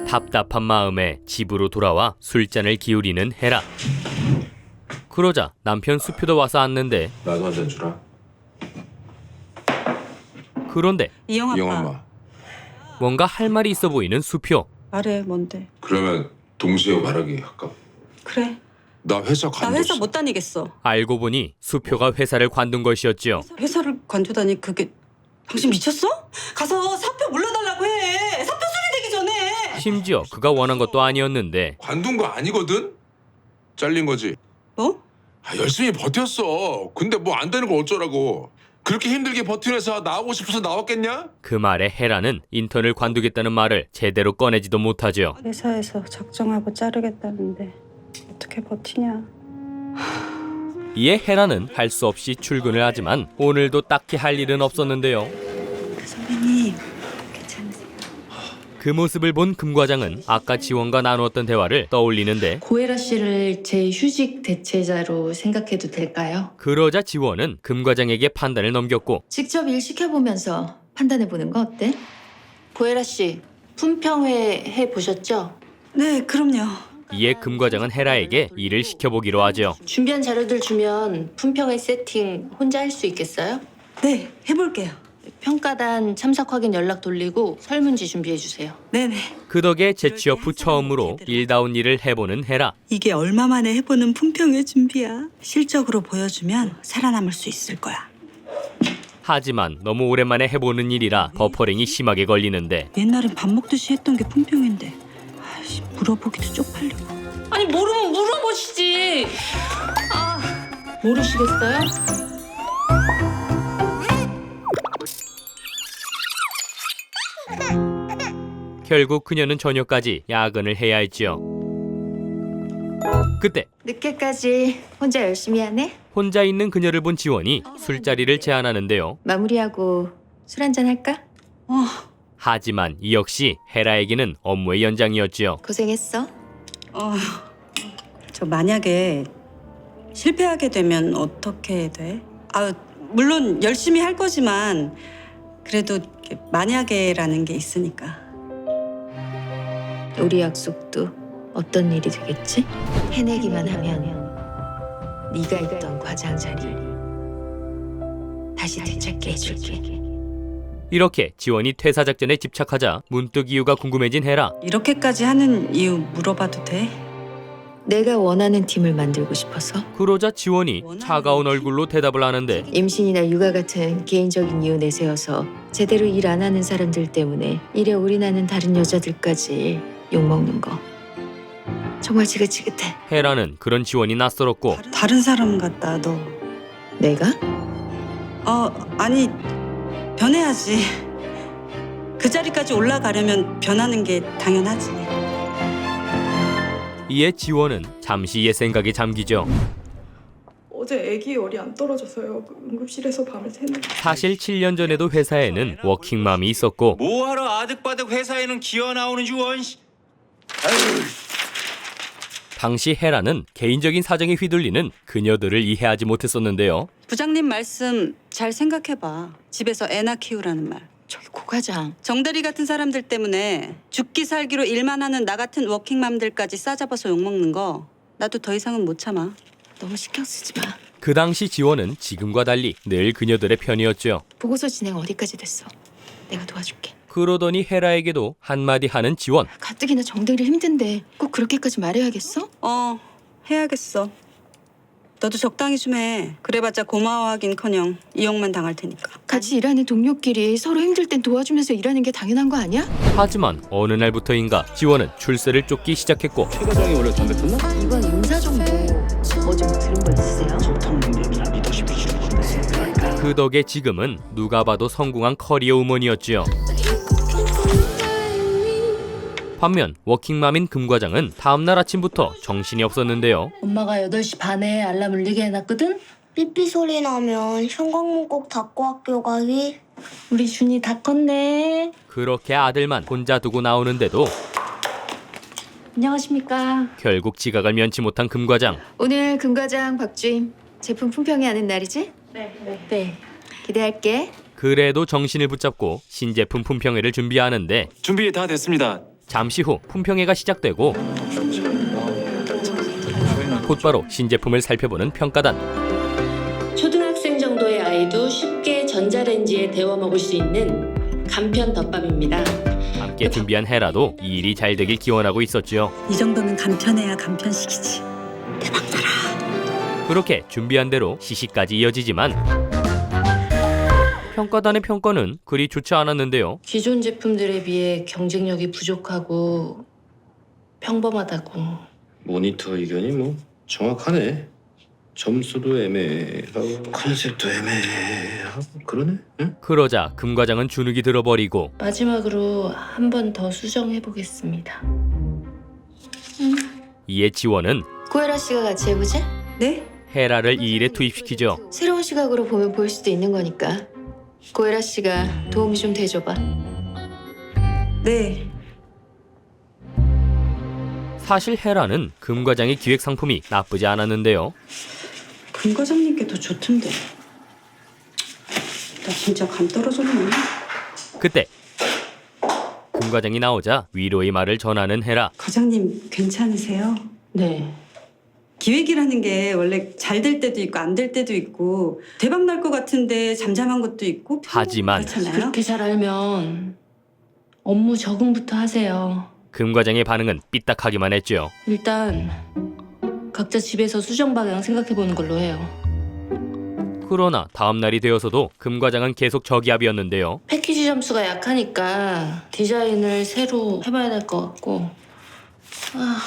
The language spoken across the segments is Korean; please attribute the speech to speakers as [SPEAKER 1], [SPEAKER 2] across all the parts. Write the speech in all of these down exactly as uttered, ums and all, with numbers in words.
[SPEAKER 1] 답답한 마음에 집으로 돌아와 술잔을 기울이는 헤라. 그러자 남편 수표도 와서 앉는데
[SPEAKER 2] 나도 한 잔 주라.
[SPEAKER 1] 그런데
[SPEAKER 3] 이영 아빠.
[SPEAKER 2] 이영 엄마.
[SPEAKER 1] 뭔가 할 말이 있어 보이는 수표.
[SPEAKER 3] 말해 뭔데?
[SPEAKER 2] 그러면 동시에 말하기 할까?
[SPEAKER 3] 그래.
[SPEAKER 2] 나 회사
[SPEAKER 3] 나
[SPEAKER 2] 관뒀어.
[SPEAKER 3] 회사 못 다니겠어.
[SPEAKER 1] 알고 보니 수표가 회사를 관둔 것이었지요.
[SPEAKER 3] 회사를 관두다니 그게 당신 미쳤어? 가서 사표 물러달라고 해. 사표 수리 되기 전에.
[SPEAKER 1] 심지어 그가 원한 것도 아니었는데
[SPEAKER 2] 관둔 거 아니거든? 잘린 거지.
[SPEAKER 3] 뭐?
[SPEAKER 2] 아, 열심히 버텼어. 근데 뭐 안 되는 걸 어쩌라고. 그렇게 힘들게 버틴 회사 나오고 싶어서 나왔겠냐?
[SPEAKER 1] 그 말에 헤라는 인턴을 관두겠다는 말을 제대로 꺼내지도 못하죠.
[SPEAKER 3] 회사에서 작정하고 자르겠다는데 어떻게 버티냐?
[SPEAKER 1] 이에 헤라는 할 수 없이 출근을 하지만 오늘도 딱히 할 일은 없었는데요.
[SPEAKER 3] 선배님 괜찮으세요?
[SPEAKER 1] 그 모습을 본 금 과장은 아까 지원과 나누었던 대화를 떠올리는데
[SPEAKER 4] 고혜라 씨를 제 휴직 대체자로 생각해도 될까요?
[SPEAKER 1] 그러자 지원은 금 과장에게 판단을 넘겼고
[SPEAKER 4] 직접 일 시켜보면서 판단해보는 거 어때? 고혜라 씨, 품평회 해보셨죠?
[SPEAKER 3] 네, 그럼요.
[SPEAKER 1] 이에 금 과장은 헤라에게 일을 시켜보기로 하죠.
[SPEAKER 4] 준비한 자료들 주면 품평회 세팅 혼자 할 수 있겠어요?
[SPEAKER 3] 네, 해볼게요.
[SPEAKER 4] 평가단 참석 확인 연락 돌리고 설문지 준비해주세요.
[SPEAKER 3] 네네.
[SPEAKER 1] 그 덕에 재취업 후 처음으로 일다운 일을 해보는 헤라.
[SPEAKER 3] 이게 얼마 만에 해보는 품평의 준비야. 실적으로 보여주면 살아남을 수 있을 거야.
[SPEAKER 1] 하지만 너무 오랜만에 해보는 일이라 버퍼링이 심하게 걸리는데
[SPEAKER 3] 옛날엔 밥 먹듯이 했던 게 품평인데 아이씨, 물어보기도 쪽팔리고.
[SPEAKER 4] 아니 모르면 물어보시지. 아, 모르시겠어요?
[SPEAKER 1] 결국 그녀는 저녁까지 야근을 해야 했지요. 그때
[SPEAKER 4] 늦게까지 혼자 열심히 하네?
[SPEAKER 1] 혼자 있는 그녀를 본 지원이 술자리를 제안하는데요.
[SPEAKER 4] 마무리하고 술 한잔 할까?
[SPEAKER 3] 어,
[SPEAKER 1] 하지만 이 역시 헤라에게는 업무의 연장이었지요.
[SPEAKER 4] 고생했어.
[SPEAKER 3] 어, 저 만약에 실패하게 되면 어떻게 돼? 아, 물론 열심히 할 거지만 그래도 만약에라는 게 있으니까.
[SPEAKER 4] 우리 약속도 어떤 일이 되겠지? 해내기만 하면 네가 있던 과장 자리 다시 되찾게 해줄게.
[SPEAKER 1] 이렇게 지원이 퇴사 작전에 집착하자 문득 이유가 궁금해진 헤라.
[SPEAKER 3] 이렇게까지 하는 이유 물어봐도 돼?
[SPEAKER 4] 내가 원하는 팀을 만들고 싶어서.
[SPEAKER 1] 그러자 지원이 차가운 얼굴로 대답을 하는데
[SPEAKER 4] 임신이나 육아 같은 개인적인 이유 내세워서 제대로 일 안 하는 사람들 때문에 일에 올인하는 다른 여자들까지 욕먹는 거 정말 지긋지긋해.
[SPEAKER 1] 헤라는 그런 지원이 낯설었고
[SPEAKER 3] 다른 사람 같다 너.
[SPEAKER 4] 내가?
[SPEAKER 3] 어, 아니 변해야지. 그 자리까지 올라가려면 변하는 게 당연하지.
[SPEAKER 1] 이에 지원은 잠시 옛 생각에 잠기죠.
[SPEAKER 5] 어제 아기 열이 안 떨어져서요. 응급실에서 밤을 새는.
[SPEAKER 1] 사실 칠 년 전에도 회사에는 워킹맘이 있었고
[SPEAKER 6] 뭐하러 아득바득 회사에는 기어 나오는지 원.
[SPEAKER 1] 당시 헤라는 개인적인 사정에 휘둘리는 그녀들을 이해하지 못했었는데요.
[SPEAKER 3] 부장님 말씀 잘 생각해봐. 집에서 애나 키우라는 말.
[SPEAKER 4] 저기 고 과장.
[SPEAKER 3] 정대리 같은 사람들 때문에 죽기 살기로 일만 하는 나 같은 워킹맘들까지 싸잡아서 욕먹는 거 나도 더 이상은 못 참아.
[SPEAKER 4] 너무 신경 쓰지 마.
[SPEAKER 1] 그 당시 지원은 지금과 달리 늘 그녀들의 편이었죠.
[SPEAKER 4] 보고서 진행 어디까지 됐어? 내가 도와줄게.
[SPEAKER 1] 그러더니 헤라에게도 한마디 하는 지원.
[SPEAKER 4] 가뜩이나 정대리 힘든데 꼭 그렇게까지 말해야겠어?
[SPEAKER 3] 어, 해야겠어. 너도 적당히 좀 해. 그래봤자 고마워하긴커녕 이용만 당할 테니까.
[SPEAKER 4] 같이 일하는 동료끼리 서로 힘들 땐 도와주면서 일하는 게 당연한 거 아니야?
[SPEAKER 1] 하지만 어느 날부터인가 지원은 출세를 쫓기 시작했고
[SPEAKER 7] 최 과장이 원래 담배 폈나?
[SPEAKER 4] 이번 인사 정보 뭐 좀 들은 거 있으세요?
[SPEAKER 7] 좋다는 얘기야. 리더십이 주는 건데.
[SPEAKER 1] 그 덕에 지금은 누가 봐도 성공한 커리어 우먼이었지요. 반면 워킹맘인 금 과장은 다음날 아침부터 정신이 없었는데요.
[SPEAKER 4] 엄마가 여덟 시 반에 알람 울리게 해놨거든?
[SPEAKER 8] 삐삐 소리 나면 현관문 꼭 닫고 학교 가기.
[SPEAKER 4] 우리 준이 다 컸네.
[SPEAKER 1] 그렇게 아들만 혼자 두고 나오는데도
[SPEAKER 4] 안녕하십니까.
[SPEAKER 1] 결국 지각을 면치 못한 금 과장.
[SPEAKER 4] 오늘 금 과장 박주임 제품 품평회 하는 날이지? 네. 네. 네. 기대할게.
[SPEAKER 1] 그래도 정신을 붙잡고 신제품 품평회를 준비하는데
[SPEAKER 6] 준비 다 됐습니다.
[SPEAKER 1] 잠시 후 품평회가 시작되고 곧바로 신제품을 살펴보는 평가단.
[SPEAKER 9] 초등학생 정도의 아이도 쉽게 전자레인지에 데워 먹을 수 있는 간편 덮밥입니다.
[SPEAKER 1] 함께 준비한 헤라도 이 일이 잘 되길 기원하고 있었죠.
[SPEAKER 3] 이 정도면 간편해야 간편식이지.
[SPEAKER 1] 그렇게 준비한 대로 시시까지 이어지지만 평가단의 평가는 그리 좋지 않았는데요.
[SPEAKER 9] 기존 제품들에 비해 경쟁력이 부족하고 평범하다고.
[SPEAKER 7] 모니터 의견이 뭐 정확하네. 점수도 애매하고 컨셉도 애매하고 그러네. 응?
[SPEAKER 1] 그러자 금 과장은 주눅이 들어버리고
[SPEAKER 9] 마지막으로 한 번 더 수정해 보겠습니다.
[SPEAKER 1] 이에 지원은
[SPEAKER 4] 고혜라 씨가 같이 해보지?
[SPEAKER 3] 네?
[SPEAKER 1] 헤라를 이 일에 투입시키죠.
[SPEAKER 4] 새로운 시각으로 보면 보일 수도 있는 거니까 고혜라 씨가 도움이 좀 돼줘봐.
[SPEAKER 3] 네.
[SPEAKER 1] 사실 헤라는 금 과장의 기획 상품이 나쁘지 않았는데요.
[SPEAKER 3] 금 과장님께 더 좋던데. 나 진짜 감 떨어졌네.
[SPEAKER 1] 그때 금 과장이 나오자 위로의 말을 전하는 헤라.
[SPEAKER 3] 과장님 괜찮으세요?
[SPEAKER 9] 네.
[SPEAKER 3] 기획이라는 게 원래 잘 될 때도 있고 안 될 때도 있고 대박 날 것 같은데 잠잠한 것도 있고
[SPEAKER 1] 하지만
[SPEAKER 3] 그렇잖아요.
[SPEAKER 9] 그렇게 잘 알면 업무 적응부터 하세요.
[SPEAKER 1] 금 과장의 반응은 삐딱하기만 했죠.
[SPEAKER 9] 일단 각자 집에서 수정 방향 생각해 보는 걸로 해요.
[SPEAKER 1] 그러나 다음 날이 되어서도 금 과장은 계속 저기압이었는데요.
[SPEAKER 9] 패키지 점수가 약하니까 디자인을 새로 해봐야 될 것 같고. 아...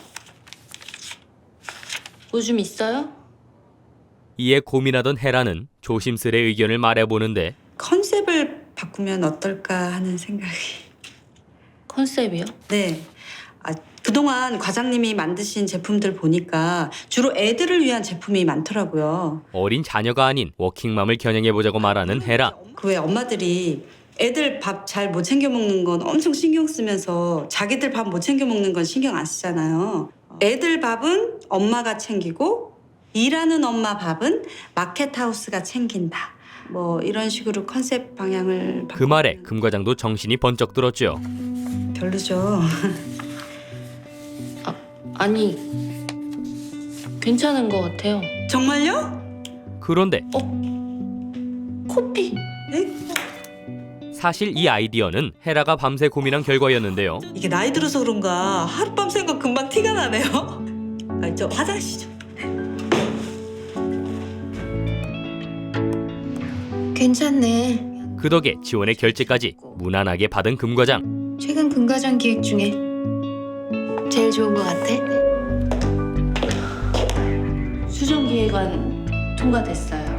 [SPEAKER 9] 뭐 좀 있어요?
[SPEAKER 1] 이에 고민하던 헤라는 조심스레 의견을 말해보는데
[SPEAKER 3] 컨셉을 바꾸면 어떨까 하는 생각이.
[SPEAKER 9] 컨셉이요?
[SPEAKER 3] 네. 아, 그동안 과장님이 만드신 제품들 보니까 주로 애들을 위한 제품이 많더라고요.
[SPEAKER 1] 어린 자녀가 아닌 워킹맘을 겨냥해보자고 말하는 헤라.
[SPEAKER 3] 그 왜 엄마들이 애들 밥 잘 못 챙겨 먹는 건 엄청 신경 쓰면서 자기들 밥 못 챙겨 먹는 건 신경 안 쓰잖아요. 애들 밥은 엄마가 챙기고 일하는 엄마 밥은 마켓하우스가 챙긴다. 뭐 이런 식으로 컨셉 방향을
[SPEAKER 1] 그 말에 금 과장도 정신이 번쩍 들었죠.
[SPEAKER 3] 별로죠.
[SPEAKER 9] 아, 아니 괜찮은 것 같아요.
[SPEAKER 3] 정말요?
[SPEAKER 1] 그런데
[SPEAKER 9] 코피.
[SPEAKER 3] 네?
[SPEAKER 1] 사실 이 아이디어는 헤라가 밤새 고민한 결과였는데요.
[SPEAKER 3] 이게 나이 들어서 그런가 하룻밤 생각 금방 티가 나네요. 아, 저 화장실 좀.
[SPEAKER 4] 괜찮네.
[SPEAKER 1] 그 덕에 지원의 결제까지 무난하게 받은 금 과장.
[SPEAKER 4] 최근 금 과장 기획 중에 제일 좋은 것 같아.
[SPEAKER 9] 수정 기획안 통과됐어요.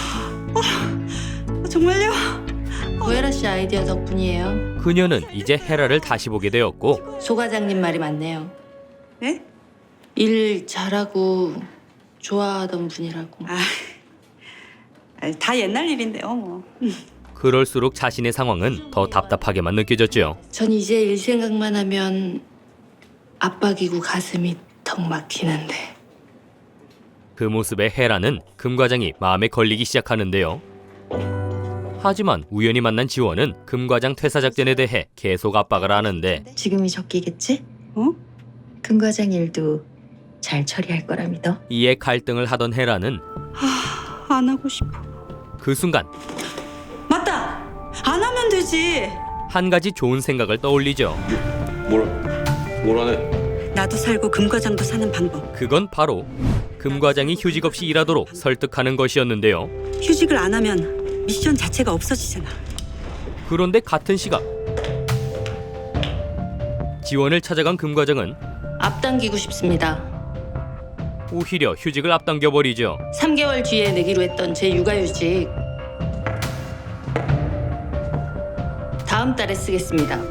[SPEAKER 3] 아, 정말요?
[SPEAKER 9] 고혜라 씨 아이디어 덕분이에요.
[SPEAKER 1] 그녀는 이제 헤라를 다시 보게 되었고
[SPEAKER 9] 소 과장님 말이 맞네요.
[SPEAKER 3] 네?
[SPEAKER 9] 일 잘하고 좋아하던 분이라고.
[SPEAKER 3] 아, 아, 다 옛날 일인데요, 뭐.
[SPEAKER 1] 그럴수록 자신의 상황은 더 답답하게만 느껴졌죠.
[SPEAKER 9] 전 이제 일 생각만 하면 압박이고 가슴이 턱 막히는데.
[SPEAKER 1] 그 모습에 헤라는 금 과장이 마음에 걸리기 시작하는데요. 하지만 우연히 만난 지원은 금 과장 퇴사 작전에 대해 계속 압박을 하는데
[SPEAKER 4] 지금이 적기겠지?
[SPEAKER 3] 어?
[SPEAKER 4] 금 과장 일도 잘 처리할 거라 믿어.
[SPEAKER 1] 이에 갈등을 하던 헤라는
[SPEAKER 3] 하, 안 하고 싶어.
[SPEAKER 1] 그 순간
[SPEAKER 3] 맞다! 안 하면 되지!
[SPEAKER 1] 한 가지 좋은 생각을 떠올리죠.
[SPEAKER 7] 뭐라 뭐라네.
[SPEAKER 3] 나도 살고 금 과장도 사는 방법.
[SPEAKER 1] 그건 바로 금 과장이 휴직 없이 일하도록 설득하는 것이었는데요.
[SPEAKER 3] 휴직을 안 하면 미션 자체가 없어지잖아.
[SPEAKER 1] 그런데 같은 시각 지원을 찾아간 금 과장은
[SPEAKER 9] 앞당기고 싶습니다.
[SPEAKER 1] 오히려 휴직을 앞당겨버리죠.
[SPEAKER 9] 삼 개월 뒤에 내기로 했던 제 육아휴직 다음 달에 쓰겠습니다.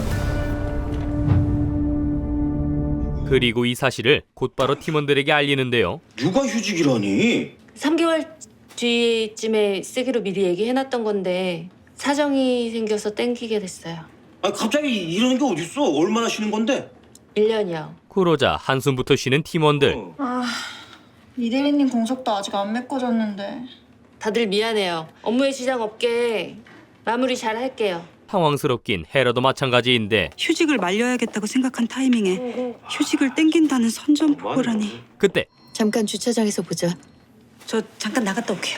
[SPEAKER 1] 그리고 이 사실을 곧바로 팀원들에게 알리는데요.
[SPEAKER 6] 육아휴직이라니?
[SPEAKER 9] 삼 개월 뒤쯤에 쓰기로 미리 얘기해놨던 건데 사정이 생겨서 땡기게 됐어요.
[SPEAKER 6] 아 갑자기 이러는 게 어딨어? 얼마나 쉬는 건데?
[SPEAKER 9] 일 년이요.
[SPEAKER 1] 그러자 한숨부터 쉬는 팀원들.
[SPEAKER 6] 어.
[SPEAKER 8] 아, 이대리님 공석도 아직 안 메꿔졌는데.
[SPEAKER 9] 다들 미안해요. 업무에 지장 없게 마무리 잘 할게요.
[SPEAKER 1] 당황스럽긴 헤라도 마찬가지인데
[SPEAKER 3] 휴직을 말려야겠다고 생각한 타이밍에 휴직을 땡긴다는 선전포고라니.
[SPEAKER 1] 그때
[SPEAKER 4] 잠깐 주차장에서 보자.
[SPEAKER 3] 저 잠깐 나갔다 올게요.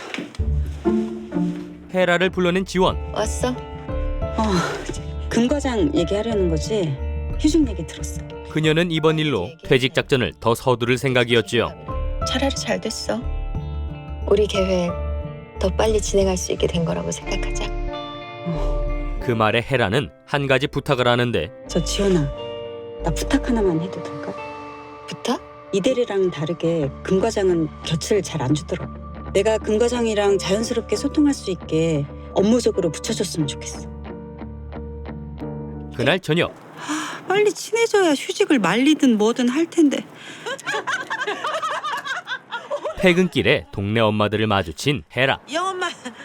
[SPEAKER 1] 헤라를 불러낸 지원.
[SPEAKER 4] 왔어?
[SPEAKER 3] 어, 금 과장 얘기하려는 거지? 휴직 얘기 들었어.
[SPEAKER 1] 그녀는 이번 일로 퇴직 작전을 더 서두를 생각이었지요.
[SPEAKER 4] 차라리 잘 됐어. 우리 계획 더 빨리 진행할 수 있게 된 거라고 생각하자.
[SPEAKER 1] 그 말에 헤라는 한 가지 부탁을 하는데
[SPEAKER 3] 저 지원아, 나 부탁 하나만 해도 될까?
[SPEAKER 4] 부탁?
[SPEAKER 3] 이대리랑 다르게 금 과장은 곁을 잘 안 주더라고. 내가 금 과장이랑 자연스럽게 소통할 수 있게 업무적으로 붙여줬으면 좋겠어.
[SPEAKER 1] 그날 저녁
[SPEAKER 3] 빨리 친해져야 휴직을 말리든 뭐든 할 텐데.
[SPEAKER 1] 퇴근길에 동네 엄마들을 마주친 헤라.
[SPEAKER 3] 영엄마.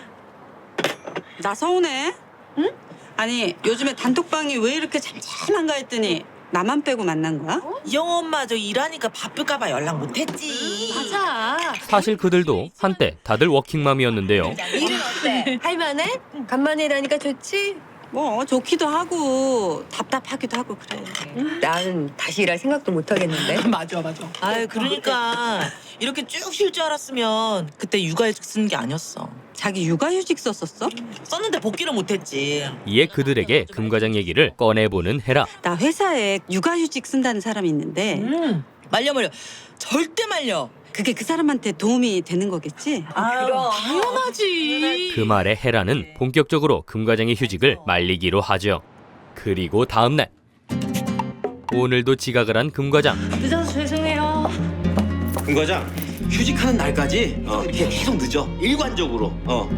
[SPEAKER 3] 나 서운해? 응? 아니 요즘에 단톡방이 왜 이렇게 잠잠한가 했더니 나만 빼고 만난 거야?
[SPEAKER 10] 영엄마 저 일하니까 바쁠까봐 연락 못했지.
[SPEAKER 9] 맞아.
[SPEAKER 1] 사실 그들도 한때 다들 워킹맘이었는데요.
[SPEAKER 9] 일은 어때? 할만해? 간만에 일하니까 좋지?
[SPEAKER 3] 뭐 좋기도 하고 답답하기도 하고 그래.
[SPEAKER 4] 나는 다시 일할 생각도 못 하겠는데.
[SPEAKER 10] 맞아 맞아. 아유 그러니까 이렇게 쭉 쉴 줄 알았으면 그때 육아휴직 쓰는 게 아니었어.
[SPEAKER 3] 자기 육아휴직 썼었어?
[SPEAKER 10] 썼는데 복귀를 못했지.
[SPEAKER 1] 이에 그들에게 금 과장 얘기를 꺼내보는 헤라.
[SPEAKER 3] 나 회사에 육아휴직 쓴다는 사람이 있는데
[SPEAKER 10] 음 말려 말려 절대 말려.
[SPEAKER 3] 그게 그 사람한테 도움이 되는 거겠지?
[SPEAKER 10] 아유 당연하지.
[SPEAKER 1] 그 말에 헤라는 본격적으로 금 과장의 휴직을 말리기로 하죠. 그리고 다음 날 오늘도 지각을 한 금 과장.
[SPEAKER 9] 늦어서 죄송해요.
[SPEAKER 6] 금 과장 휴직하는 날까지 어, 이게 계속 늦어. 일관적으로. 어.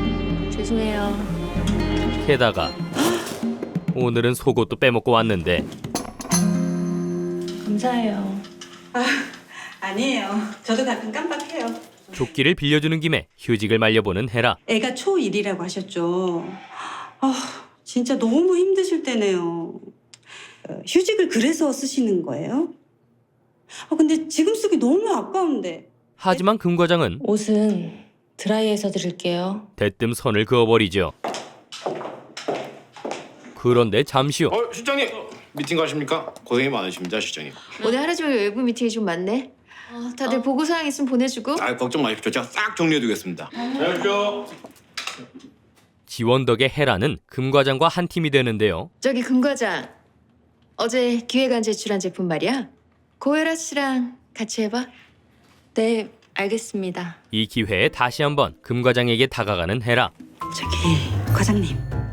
[SPEAKER 9] 죄송해요.
[SPEAKER 1] 게다가 오늘은 속옷도 빼먹고 왔는데
[SPEAKER 9] 감사해요.
[SPEAKER 3] 아니에요. 저도 가끔 깜빡해요.
[SPEAKER 1] 조끼를 빌려주는 김에 휴직을 말려보는 헤라.
[SPEAKER 3] 애가 초일이라고 하셨죠. 아, 진짜 너무 힘드실 때네요. 어, 휴직을 그래서 쓰시는 거예요? 아, 근데 지금 쓰기 너무 아까운데.
[SPEAKER 1] 하지만 금 과장은
[SPEAKER 9] 옷은 드라이해서 드릴게요.
[SPEAKER 1] 대뜸 선을 그어버리죠. 그런데 잠시 후
[SPEAKER 7] 어 실장님 미팅 가십니까? 고생이 많으십니다 실장님.
[SPEAKER 4] 오늘 하루 종일 외부 미팅이 좀 많네. 어, 다들 보고사항 있으면 보내주고.
[SPEAKER 7] 아 걱정 마십시오. 제가 싹 정리해두겠습니다. 안녕하십시오.
[SPEAKER 1] 지원 덕에 헤라는 금 과장과 한 팀이 되는데요.
[SPEAKER 4] 저기 금 과장. 어제 기획안 제출한 제품 말이야. 고혜라 씨랑 같이 해봐.
[SPEAKER 9] 네, 알겠습니다.
[SPEAKER 1] 이 기회에 다시 한번 금 과장에게 다가가는 헤라.
[SPEAKER 3] 저기 과장님.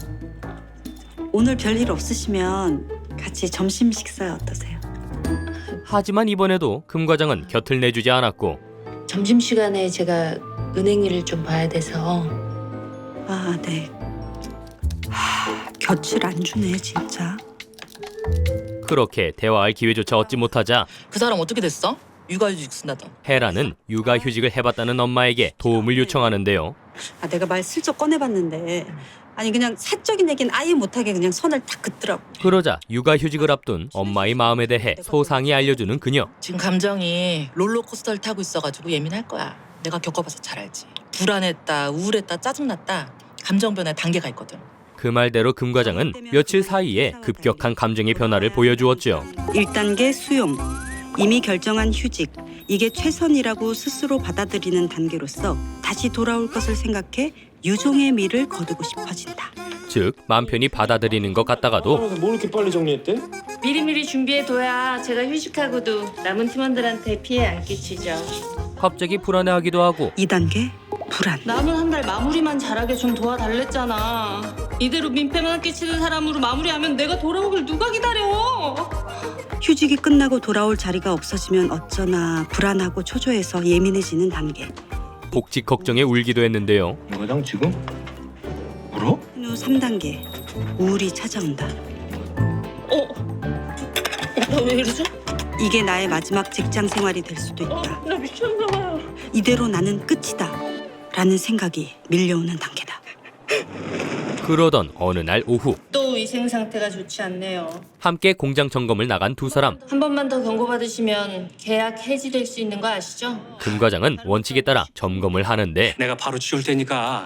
[SPEAKER 3] 오늘 별일 없으시면 같이 점심 식사 어떠세요?
[SPEAKER 1] 하지만 이번에도 금 과장은 곁을 내주지 않았고
[SPEAKER 9] 점심시간에 제가 은행 일을 좀 봐야 돼서.
[SPEAKER 3] 아, 네. 하, 곁을 안 주네, 진짜.
[SPEAKER 1] 그렇게 대화할 기회조차 얻지 못하자
[SPEAKER 10] 그 사람 어떻게 됐어? 육아휴직 쓴다던.
[SPEAKER 1] 헤라는 육아휴직을 해봤다는 엄마에게 도움을 요청하는데요.
[SPEAKER 3] 아, 내가 말 슬쩍 꺼내봤는데 아니 그냥 사적인 얘기는 아예 못하게 그냥 선을 딱 긋더라고.
[SPEAKER 1] 그러자 육아휴직을 앞둔 엄마의 마음에 대해 소상히 알려주는 그녀.
[SPEAKER 10] 지금 감정이 롤러코스터를 타고 있어가지고 예민할 거야. 내가 겪어봐서 잘 알지. 불안했다, 우울했다, 짜증났다. 감정 변화의 단계가 있거든.
[SPEAKER 1] 그 말대로 금 과장은 며칠 사이에 급격한 감정의 변화를 보여주었죠.
[SPEAKER 3] 일 단계 수용. 이미 결정한 휴직. 이게 최선이라고 스스로 받아들이는 단계로서 다시 돌아올 것을 생각해 유종의 미를 거두고 싶어진다.
[SPEAKER 1] 즉 맘 편히 받아들이는 것 같다가도
[SPEAKER 7] 뭘 이렇게 빨리 정리했대?
[SPEAKER 9] 미리미리 준비해둬야 제가 휴직하고도 남은 팀원들한테 피해 안 끼치죠.
[SPEAKER 1] 갑자기 불안해하기도 하고
[SPEAKER 3] 이 단계 불안.
[SPEAKER 9] 남은 한 달 마무리만 잘하게 좀 도와달랬잖아. 이대로 민폐만 끼치는 사람으로 마무리하면 내가 돌아오길 누가 기다려?
[SPEAKER 3] 휴직이 끝나고 돌아올 자리가 없어지면 어쩌나 불안하고 초조해서 예민해지는 단계.
[SPEAKER 1] 복직 걱정에 울기도 했는데요.
[SPEAKER 7] 금 과장 지금 울어?
[SPEAKER 3] 후 삼 단계 우울이 찾아온다.
[SPEAKER 9] 어? 나 왜 이러죠?
[SPEAKER 3] 이게 나의 마지막 직장 생활이 될 수도
[SPEAKER 9] 어,
[SPEAKER 3] 있다.
[SPEAKER 9] 나 미쳤나 봐요.
[SPEAKER 3] 이대로 나는 끝이다. 라는 생각이 밀려오는 단계다.
[SPEAKER 1] 그러던 어느 날 오후
[SPEAKER 9] 또 위생 상태가 좋지 않네요.
[SPEAKER 1] 함께 공장 점검을 나간 두 사람.
[SPEAKER 9] 한 번만 더 경고받으시면 계약 해지될 수 있는 거 아시죠?
[SPEAKER 1] 금 과장은 원칙에 따라 점검을 하는데
[SPEAKER 6] 내가 바로 치울 테니까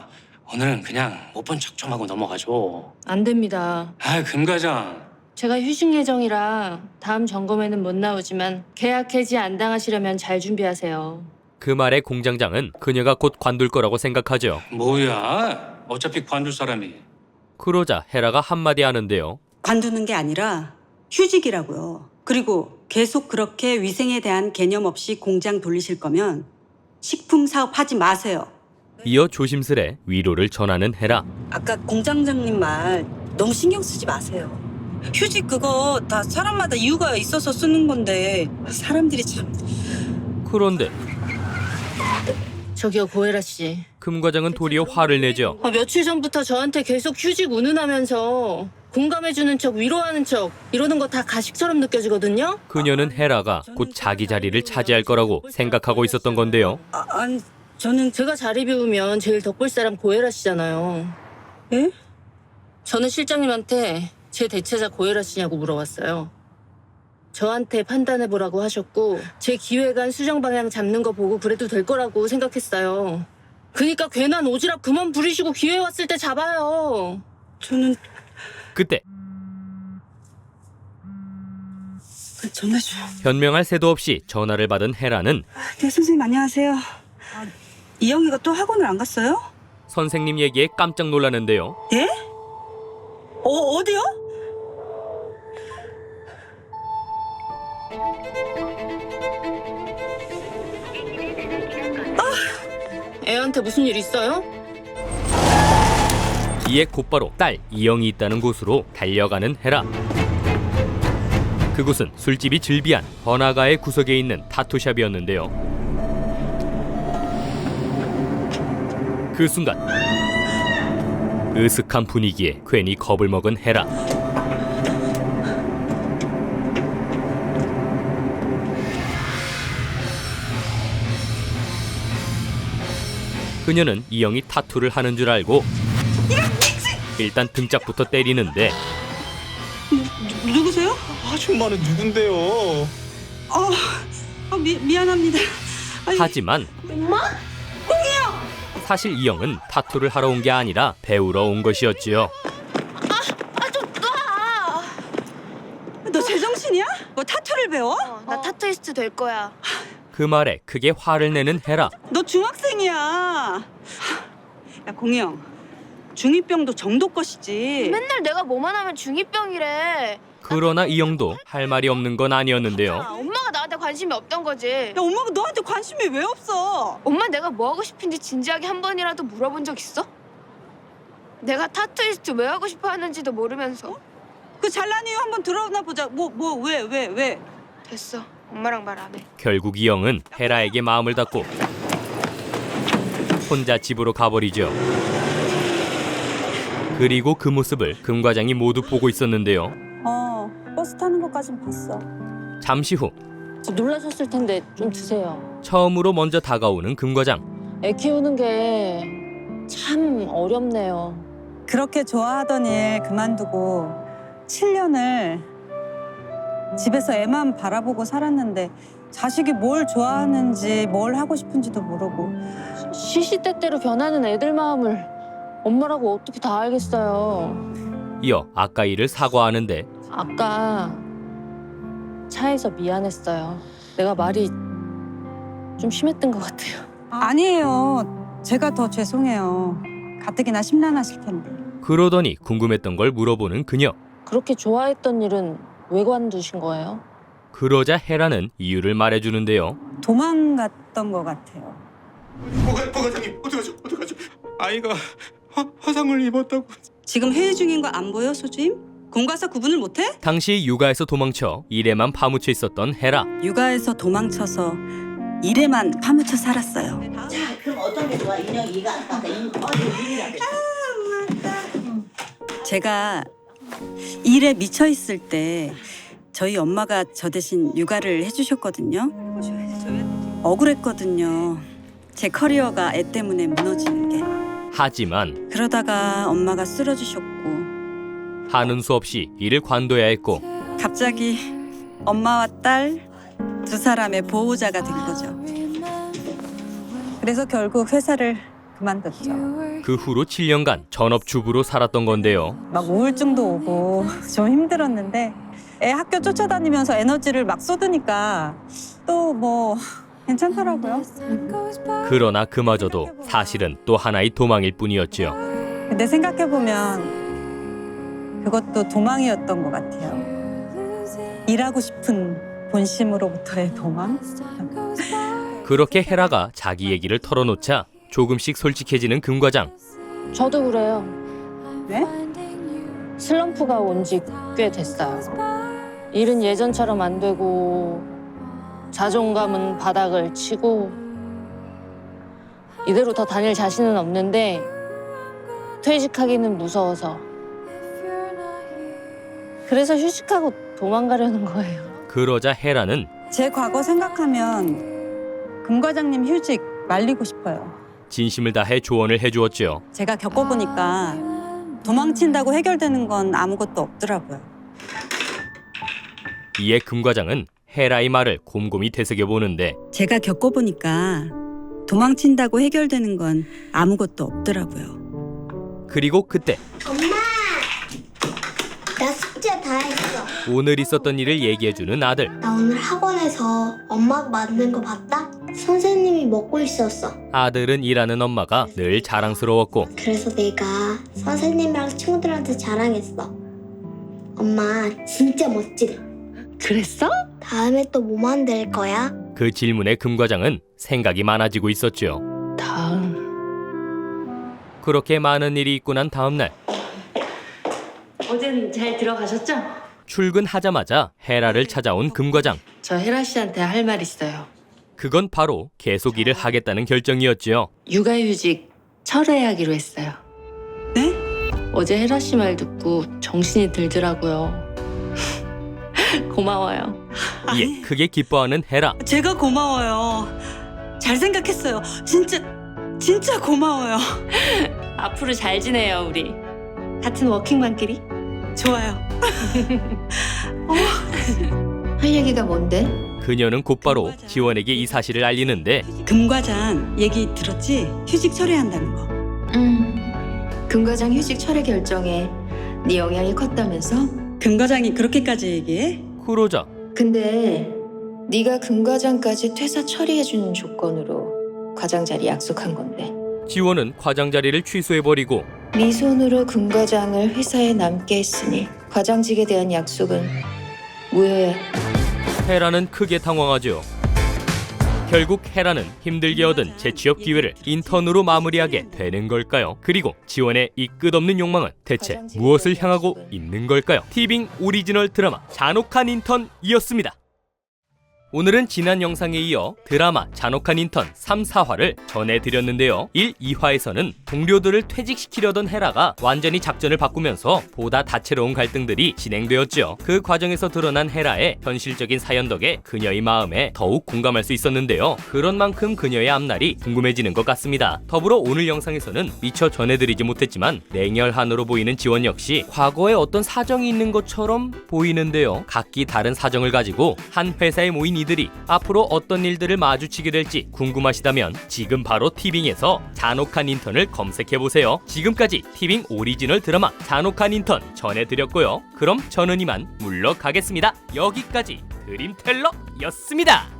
[SPEAKER 11] 오늘은 그냥 못 본 척 좀 하고 넘어가죠.
[SPEAKER 9] 안 됩니다.
[SPEAKER 11] 아, 금 과장.
[SPEAKER 9] 제가 휴식 예정이라 다음 점검에는 못 나오지만 계약 해지 안 당하시려면 잘 준비하세요.
[SPEAKER 1] 그 말에 공장장은 그녀가 곧 관둘 거라고 생각하죠.
[SPEAKER 11] 뭐야? 어차피 관둘 사람이.
[SPEAKER 1] 그러자 헤라가 한마디 하는데요.
[SPEAKER 3] 관두는 게 아니라 휴직이라고요. 그리고 계속 그렇게 위생에 대한 개념 없이 공장 돌리실 거면 식품 사업 하지 마세요.
[SPEAKER 1] 이어 조심스레 위로를 전하는 헤라.
[SPEAKER 3] 아까 공장장님 말 너무 신경 쓰지 마세요. 휴직 그거 다 사람마다 이유가 있어서 쓰는 건데 사람들이 참...
[SPEAKER 1] 그런데
[SPEAKER 9] 저기요, 고혜라 씨.
[SPEAKER 1] 금 과장은 도리어 화를 내죠.
[SPEAKER 9] 아, 며칠 전부터 저한테 계속 휴직 운운하면서 공감해주는 척, 위로하는 척 이러는 거 다 가식처럼 느껴지거든요?
[SPEAKER 1] 그녀는 헤라가 곧 자기 자리를 차지할 거라고 생각하고 있었던 건데요.
[SPEAKER 3] 아, 아니 저는...
[SPEAKER 9] 제가 자리 비우면 제일 덕볼 사람 고혜라 씨잖아요.
[SPEAKER 3] 예?
[SPEAKER 9] 저는 실장님한테 제 대체자 고혜라 씨냐고 물어봤어요. 저한테 판단해보라고 하셨고 제 기획안 수정 방향 잡는 거 보고 그래도 될 거라고 생각했어요. 그니까 괜한 오지랖 그만 부리시고 기회 왔을 때 잡아요.
[SPEAKER 3] 저는...
[SPEAKER 1] 그때
[SPEAKER 3] 전화줘요.
[SPEAKER 1] 변명할 새도 없이 전화를 받은 헤라는
[SPEAKER 3] 네, 선생님 안녕하세요. 아, 이영이가 또 학원을 안 갔어요?
[SPEAKER 1] 선생님 얘기에 깜짝 놀라는데요.
[SPEAKER 3] 예? 어, 어디요?
[SPEAKER 9] 애한테 무슨 일 있어요?
[SPEAKER 1] 이에 곧바로 딸 이영이 있다는 곳으로 달려가는 헤라. 그곳은 술집이 즐비한 번화가의 구석에 있는 타투샵이었는데요. 그 순간 으슥한 분위기에 괜히 겁을 먹은 헤라. 그녀는 이영이 타투를 하는 줄 알고 일단 등짝부터 때리는데
[SPEAKER 3] 누, 누구세요?
[SPEAKER 7] 아줌마는 누군데요?
[SPEAKER 3] 어, 어 미, 미안합니다. 아니,
[SPEAKER 1] 하지만 사실 이영은 타투를 하러 온 게 아니라 배우러 온 것이었지요.
[SPEAKER 3] 너 제정신이야? 뭐 타투를 배워?
[SPEAKER 8] 어, 나 타투이스트 될 거야.
[SPEAKER 1] 그 말에 크게 화를 내는 헤라.
[SPEAKER 3] 너 중학생이야. 야 공영, 중이병도 정도 것이지.
[SPEAKER 8] 맨날 내가 뭐만 하면 중이병이래.
[SPEAKER 1] 그러나 이영도 할 말이 없는 건
[SPEAKER 8] 아,
[SPEAKER 1] 아니었는데요.
[SPEAKER 8] 엄마가 나한테 관심이 없던 거지.
[SPEAKER 3] 야 엄마가 너한테 관심이 왜 없어?
[SPEAKER 8] 엄마 내가 뭐 하고 싶은지 진지하게 한 번이라도 물어본 적 있어? 내가 타투이스트 왜 하고 싶어 하는지도 모르면서.
[SPEAKER 3] 그 잘난 이유 한번 들어나 보자. 뭐 뭐 왜 왜 왜?
[SPEAKER 8] 됐어. 엄마랑 말 안 해.
[SPEAKER 1] 결국 이영은 헤라에게 마음을 닫고 혼자 집으로 가버리죠. 그리고 그 모습을 금 과장이 모두 보고 있었는데요.
[SPEAKER 3] 어 버스 타는 것까진 봤어.
[SPEAKER 1] 잠시 후
[SPEAKER 9] 놀라셨을 텐데 좀 드세요.
[SPEAKER 1] 처음으로 먼저 다가오는 금 과장.
[SPEAKER 9] 애 키우는 게 참 어렵네요.
[SPEAKER 3] 그렇게 좋아하던 일 그만두고 칠 년을 집에서 애만 바라보고 살았는데 자식이 뭘 좋아하는지 뭘 하고 싶은지도 모르고.
[SPEAKER 9] 시시때때로 변하는 애들 마음을 엄마라고 어떻게 다 알겠어요.
[SPEAKER 1] 이어 아까 일을 사과하는데
[SPEAKER 9] 아까 차에서 미안했어요. 내가 말이 좀 심했던 것 같아요.
[SPEAKER 3] 아니에요. 제가 더 죄송해요. 가뜩이나 심란하실 텐데.
[SPEAKER 1] 그러더니 궁금했던 걸 물어보는 그녀.
[SPEAKER 9] 그렇게 좋아했던 일은 왜 관두신 거예요?
[SPEAKER 1] 그러자 헤라는 이유를 말해주는데요.
[SPEAKER 3] 도망갔던 것 같아요.
[SPEAKER 7] 보가, 보과장님 어떡하죠? 어떡하죠? 아이가 화, 화상을 입었다고.
[SPEAKER 3] 지금 회의 중인 거 안 보여, 소주임? 공과사 구분을 못해?
[SPEAKER 1] 당시 육아에서 도망쳐 일에만 파묻혀 있었던 헤라.
[SPEAKER 3] 육아에서 도망쳐서 일에만 파묻혀 살았어요.
[SPEAKER 12] 자, 그럼 어떤 게 좋아? 인형 이가 안 맞다. 이 어디 일이라고.
[SPEAKER 3] 제가 일에 미쳐 있을 때 저희 엄마가 저 대신 육아를 해주셨거든요. 억울했거든요. 제 커리어가 애 때문에 무너지는 게.
[SPEAKER 1] 하지만
[SPEAKER 3] 그러다가 엄마가 쓰러지셨고
[SPEAKER 1] 하는 수 없이 일을 관둬야 했고
[SPEAKER 3] 갑자기 엄마와 딸 두 사람의 보호자가 된 거죠. 그래서 결국 회사를
[SPEAKER 13] 그만뒀죠.
[SPEAKER 1] 그 후로 칠 년간 전업주부로 살았던 건데요.
[SPEAKER 13] 막 우울증도 오고 좀 힘들었는데 애 학교 쫓아다니면서 에너지를 막 쏟으니까 또 뭐 괜찮더라고요.
[SPEAKER 1] 그러나 그마저도 사실은 또 하나의 도망일 뿐이었지요.
[SPEAKER 13] 근데 생각해보면 그것도 도망이었던 것 같아요. 일하고 싶은 본심으로부터의 도망?
[SPEAKER 1] 그렇게 헤라가 자기 얘기를 털어놓자 조금씩 솔직해지는 금 과장.
[SPEAKER 9] 저도 그래요.
[SPEAKER 13] 네?
[SPEAKER 9] 슬럼프가 온 지 꽤 됐어요. 일은 예전처럼 안 되고 자존감은 바닥을 치고 이대로 더 다닐 자신은 없는데 퇴직하기는 무서워서 그래서 휴식하고 도망가려는 거예요.
[SPEAKER 1] 그러자 헤라는
[SPEAKER 13] 제 과거 생각하면 금 과장님 휴직 말리고 싶어요.
[SPEAKER 1] 진심을 다해 조언을 해주었지요.
[SPEAKER 13] 제가 겪어보니까 도망친다고 해결되는 건 아무것도 없더라고요.
[SPEAKER 1] 이에 금 과장은 헤라의 말을 곰곰이 되새겨보는데
[SPEAKER 3] 제가 겪어보니까 도망친다고 해결되는 건 아무것도 없더라고요.
[SPEAKER 1] 그리고 그때
[SPEAKER 14] 엄마! 나 숙제 다 했어.
[SPEAKER 1] 오늘 있었던 일을 얘기해주는 아들.
[SPEAKER 14] 나 오늘 학원에서 엄마가 만든 거 봤다? 선생님이 먹고 있었어.
[SPEAKER 1] 아들은 일하는 엄마가 늘 자랑스러웠고
[SPEAKER 14] 그래서 내가 선생님이랑 친구들한테 자랑했어. 엄마 진짜 멋지대.
[SPEAKER 9] 그랬어?
[SPEAKER 14] 다음에 또 뭐 만들 거야?
[SPEAKER 1] 그 질문에 금 과장은 생각이 많아지고 있었지요.
[SPEAKER 9] 다음.
[SPEAKER 1] 그렇게 많은 일이 있고 난 다음 날
[SPEAKER 4] 어제는 잘 들어가셨죠?
[SPEAKER 1] 출근하자마자 헤라를 찾아온 금 과장.
[SPEAKER 4] 저 혜라 씨한테 할 말 있어요.
[SPEAKER 1] 그건 바로 계속 일을 하겠다는 결정이었지요.
[SPEAKER 4] 육아휴직 철회하기로 했어요.
[SPEAKER 3] 네?
[SPEAKER 4] 어제 혜라 씨 말 듣고 정신이 들더라고요. 고마워요.
[SPEAKER 1] 이에 크게 기뻐하는 헤라.
[SPEAKER 3] 제가 고마워요. 잘 생각했어요. 진짜 진짜 고마워요.
[SPEAKER 4] 앞으로 잘 지내요, 우리. 같은 워킹맘끼리?
[SPEAKER 3] 좋아요.
[SPEAKER 4] 할 얘기가 뭔데?
[SPEAKER 1] 그녀는 곧바로 지원에게 이 사실을 알리는데
[SPEAKER 3] 금 과장 얘기 들었지? 휴직 철회한다는 거.
[SPEAKER 4] 음, 금 과장 휴직 철회 결정에 네 영향이 컸다면서?
[SPEAKER 3] 금 과장이 그렇게까지 얘기해?
[SPEAKER 1] 그러자
[SPEAKER 4] 근데 네가 금 과장까지 퇴사 처리해주는 조건으로 과장 자리 약속한 건데
[SPEAKER 1] 지원은 과장 자리를 취소해버리고
[SPEAKER 4] 네 손으로 금 과장을 회사에 남게 했으니 과장직에 대한 약속은 무효야.
[SPEAKER 1] 헤라는 크게 당황하죠. 결국 헤라는 힘들게 얻은 재취업 기회를 인턴으로 마무리하게 되는 걸까요? 그리고 지원의 이 끝없는 욕망은 대체 무엇을 향하고 있는 걸까요? 티빙 오리지널 드라마 잔혹한 인턴이었습니다. 오늘은 지난 영상에 이어 드라마 잔혹한 인턴 삼, 사화를 전해드렸는데요. 일, 이화에서는 동료들을 퇴직시키려던 헤라가 완전히 작전을 바꾸면서 보다 다채로운 갈등들이 진행되었죠. 그 과정에서 드러난 헤라의 현실적인 사연 덕에 그녀의 마음에 더욱 공감할 수 있었는데요. 그런 만큼 그녀의 앞날이 궁금해지는 것 같습니다. 더불어 오늘 영상에서는 미처 전해드리지 못했지만 냉혈한으로 보이는 지원 역시 과거에 어떤 사정이 있는 것처럼 보이는데요. 각기 다른 사정을 가지고 한 회사에 모인 이들이 앞으로 어떤 일들을 마주치게 될지 궁금하시다면 지금 바로 티빙에서 잔혹한 인턴을 검색해보세요. 지금까지 티빙 오리지널 드라마 잔혹한 인턴 전해드렸고요. 그럼 저는 이만 물러가겠습니다. 여기까지 드림텔러였습니다.